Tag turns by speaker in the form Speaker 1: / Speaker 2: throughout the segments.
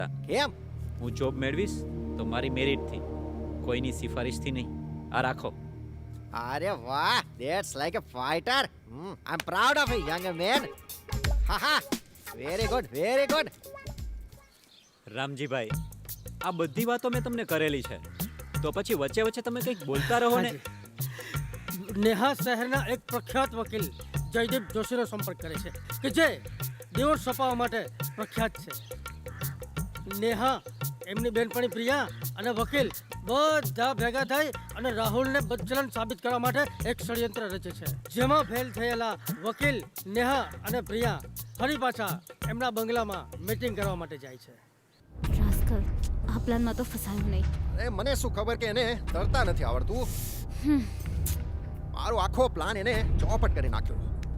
Speaker 1: કેમ?
Speaker 2: હું જોબ મેળવીશ તો મારી મેરિટથી, કોઈની સિફારિશથી નહીં. આ રાખો.
Speaker 1: અરે વાહ, that's like a fighter. I am proud of you young man. હા, very good, very good.
Speaker 2: Ramjibhai, આ બધી વાતો મેં તમને કરેલી છે, તો પછી વચ્ચે વચ્ચે તમે કંઈક બોલતા રહો ને.
Speaker 3: નેહા શહેરના એક પ્રખ્યાત વકીલ જયદીપ જોશીનો સંપર્ક કરે છે કે જે ડિવોર્સ છપાવવા માટે પ્રખ્યાત છે. નેહા, એમની બેનપણી પ્રિયા અને વકીલ બધા ભેગા થઈ અને રાહુલને બદચલન સાબિત કરવા માટે એક ષડયંત્ર રચે છે, જેમાં ફેલ થયેલા વકીલ નેહા અને પ્રિયા ફરી પાછા એમના બંગલામાં મીટિંગ કરવા માટે જાય છે.
Speaker 4: રાસ્કલ, આ પ્લાનમાં તો ફસાયો નહીં.
Speaker 1: અરે મને શું ખબર કે એને તરતા નથી આવડતું. મારો આખો પ્લાન એને ચોપટ કરી નાખ્યો.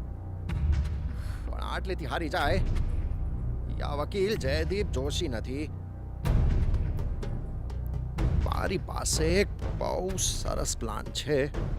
Speaker 1: પણ આટલેથી હારી જાય, આ વકીલ જયદીપ જોશી નથી. મારી પાસે એક બહુ સરસ પ્લાન છે.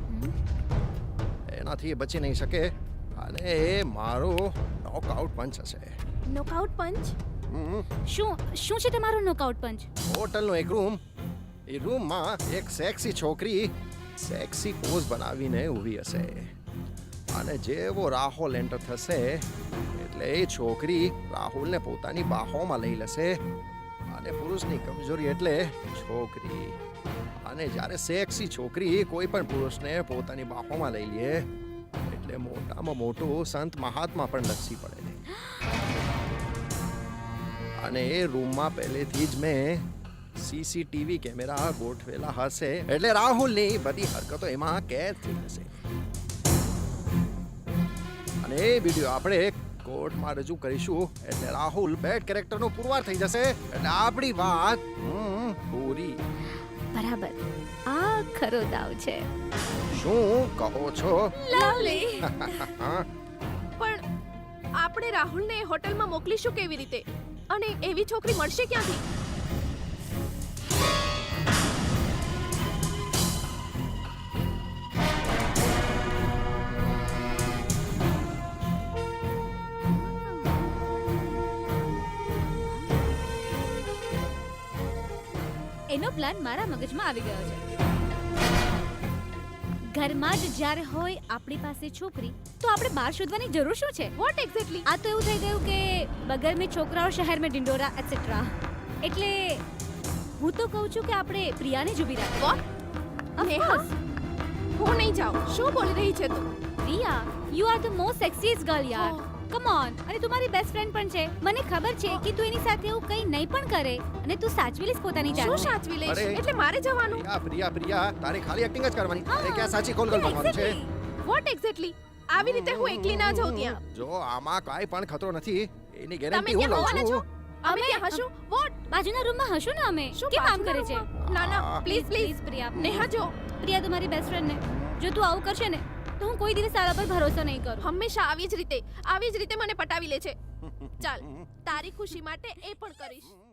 Speaker 1: એનાથી એ બચી નહીં શકે અને એ મારો નોકઆઉટ પંચ હશે.
Speaker 4: Knockout punch? શું છે તમારો નોકઆઉટ પંચ?
Speaker 1: હોટલનો એક રૂમ, એ રૂમમાં એક સેક્સી છોકરી સેક્સી પોઝ બનાવીને ઊભી હશે અને જેવો રાહુલ એન્ટર થશે એટલે એ છોકરી રાહુલને પોતાની બાહોમાં લઈ લેશે. અને પુરુષની કમજોરી એટલે છોકરી. અને જ્યારે સેક્સી છોકરી કોઈ પણ પુરુષને પોતાની બાહોમાં લઈ લે એટલે મોટામાં મોટું સંત મહાત્મા પણ લસી પડે. અને એ રૂમમાં પહેલેથી જ મેં સીસીટીવી કેમેરા ગોઠવેલા હશે એટલે રાહુલની બધી હરકતો એમાં કેદ થઈ જશે. અને એ વિડીયો આપણે કોર્ટમાં રજૂ કરીશું એટલે રાહુલ બેડ કેરેક્ટરનો પુરવાર થઈ જશે એટલે આપણી વાત પૂરી.
Speaker 4: બરાબર, આ ખરો દાવ છે.
Speaker 1: શું કહો છો?
Speaker 5: લવલી. પણ આપણે રાહુલને હોટલમાં મોકલીશું કેવી રીતે? અને એવી છોકરી મળશે ક્યાંથી?
Speaker 4: એનો પ્લાન મારા મગજમાં આવી ગયો છે. ઘરમાં જ જ્યારે હોય આપણી પાસે છોકરી, તો આપણે બહાર શોધવાની જરૂર શું છે?
Speaker 5: What exactly?
Speaker 4: આ તો એવું થઈ ગયું કે બગર મેં છોકરાઓ શહેર મેં ડિંડોરા એટસેટ્રા. એટલે હું તો કહું છું કે આપણે પ્રિયાને જ ઊભી રાખીએ.
Speaker 5: વોટ? નેહા, હું નહીં જાઉં. શું બોલી રહી છે તું?
Speaker 4: Priya, you are the most sexiest girl યાર. Come on. અને તું મારી બેસ્ટ ફ્રેન્ડ પણ છે. મને ખબર છે કે તું એની સાથે એવું કંઈ નહીં પણ કરે અને તું સાચવી લઈશ પોતાની જાતને.
Speaker 5: શું સાચવી લઈશ?
Speaker 1: અરે.
Speaker 5: એટલે મારે જવાનું?
Speaker 1: પ્રિયા તારે ખાલી એક્ટિંગ જ કરવાની. તારે ક્યાં સાચી કોલ કરવાનું છે?
Speaker 5: What exactly? આવી રીતે હું એકલી ના જાઉં ત્યાં.
Speaker 1: જો આમાં કાંઈ પણ ખતરો નથી એની
Speaker 5: તમે
Speaker 1: ગેરંટી હું
Speaker 5: ક્યાં
Speaker 1: લઉં
Speaker 5: હોવાના છો?
Speaker 1: છું.
Speaker 5: અમે ત્યાં હશું? વોટ?
Speaker 4: બાજુના રૂમમાં હશું ને અમે.
Speaker 5: શું
Speaker 4: કેમ આમ કરે
Speaker 5: બાજુના
Speaker 4: છે?
Speaker 5: રૂમમાં? ના ના, પ્લીઝ પ્લીઝ.
Speaker 4: પ્રિયા.
Speaker 5: નેહા જો,
Speaker 4: પ્રિયા, તું મારી બેસ્ટ ફ્રેન્ડ ને જો તું આવું કરશે ને તો હું કોઈ દિવસ તારા પર ભરોસો નહીં કરું.
Speaker 5: હંમેશા આવી જ રીતે મને પટાવી લે છે. ચાલ, તારી ખુશી માટે એ પણ કરીશ.